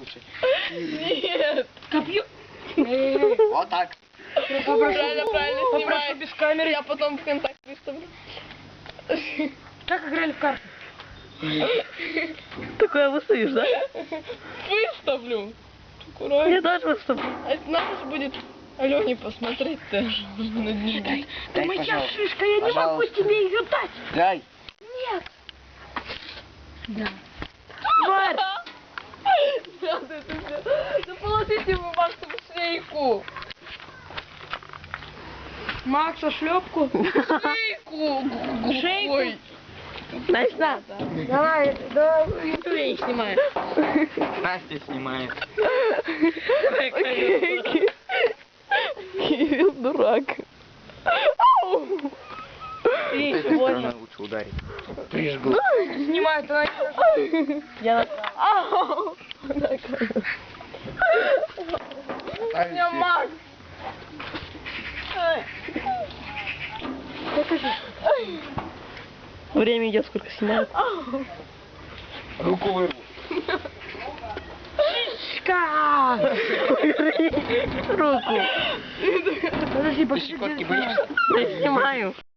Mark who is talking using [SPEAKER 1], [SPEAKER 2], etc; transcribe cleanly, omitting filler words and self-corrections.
[SPEAKER 1] лучше.
[SPEAKER 2] Нет.
[SPEAKER 3] Копье.
[SPEAKER 1] Вот так.
[SPEAKER 2] Правильно снимай.
[SPEAKER 3] Попрошу без камеры.
[SPEAKER 2] Я потом в контакт выставлю.
[SPEAKER 3] Как играли в карты?
[SPEAKER 4] Такое выставишь, да?
[SPEAKER 2] Выставлю.
[SPEAKER 4] Я
[SPEAKER 2] Аккуратно.
[SPEAKER 4] тоже выставлю.
[SPEAKER 2] А это надо же будет Алене посмотреть тоже. На дневник.
[SPEAKER 1] Дай,
[SPEAKER 3] Моя
[SPEAKER 1] пожалуйста.
[SPEAKER 3] шишка, я не могу
[SPEAKER 1] Пожалуйста.
[SPEAKER 3] тебе ее дать.
[SPEAKER 1] Дай.
[SPEAKER 3] Нет. Да.
[SPEAKER 2] Тварь! Надо это сделать. Да положите вы Максу в шейку.
[SPEAKER 3] Макса, шлепку.
[SPEAKER 2] Шейку.
[SPEAKER 3] Шейку?
[SPEAKER 2] Ой.
[SPEAKER 4] Настя,
[SPEAKER 3] Давай, давай, я их снимаю.
[SPEAKER 1] Настя снимает.
[SPEAKER 4] Кирилл дурак. Ау!
[SPEAKER 1] С этой стороны лучше ударить. Прижгу.
[SPEAKER 3] Снимает, она.
[SPEAKER 4] Я...
[SPEAKER 2] Ау. Я Макс.
[SPEAKER 4] Время идет, сколько снимают.
[SPEAKER 1] Руку вырву.
[SPEAKER 3] Шишка!
[SPEAKER 4] Руку.
[SPEAKER 3] Подожди,
[SPEAKER 1] Ты щекотки боишься?
[SPEAKER 4] Я снимаю.